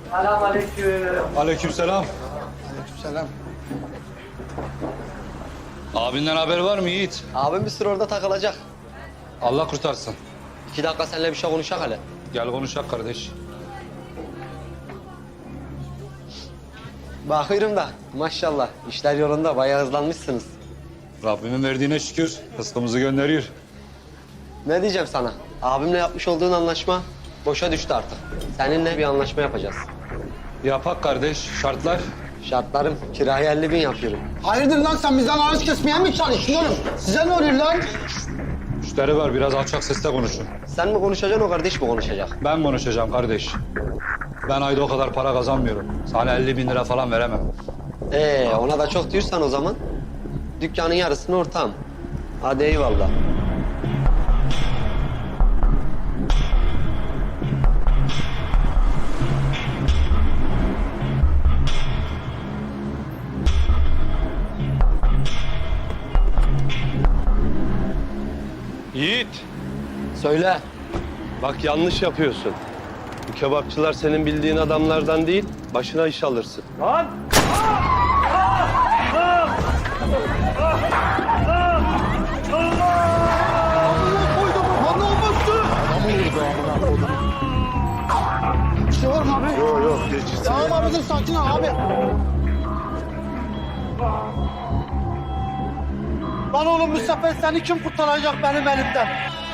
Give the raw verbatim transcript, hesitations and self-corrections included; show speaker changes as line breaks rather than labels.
Selamünaleyküm.
Aleykümselam.
Selam.
Abinden haber var mı Yiğit?
Abim bir süre orada takılacak.
Allah kurtarsın.
İki dakika seninle bir şey konuşacak hele.
Gel konuşak kardeş.
Bakıyorum da maşallah işler yolunda bayağı hızlanmışsınız.
Rabbimin verdiğine şükür. Rızkımızı gönderiyor.
Ne diyeceğim sana? Abimle yapmış olduğun anlaşma boşa düştü artık. Seninle bir anlaşma yapacağız.
Yapak kardeş. Şartlar.
Şartlarım kiraya elli bin yapıyorum.
Hayırdır lan sen bizden ağaç kesmeye mi çalışıyorsun? Size ne oluyor lan?
Müşteri var. Biraz alçak sesle konuşun.
Sen mi konuşacaksın o kardeş mi konuşacak?
Ben konuşacağım kardeş. Ben ayda o kadar para kazanmıyorum. Sana elli bin lira falan veremem.
Ee ona da çok diyorsan o zaman dükkanın yarısını ortağım. Hadi eyvallah.
Yiğit,
Söyle.
bak yanlış yapıyorsun. Bu kebapçılar senin bildiğin adamlardan değil, başına iş alırsın.
Lan!
Bir şey var mı abi?
Yok yok, geç.
Tamam abi dur sakin ol abi. Lan oğlum bu sefer seni kim kurtaracak benim elimden?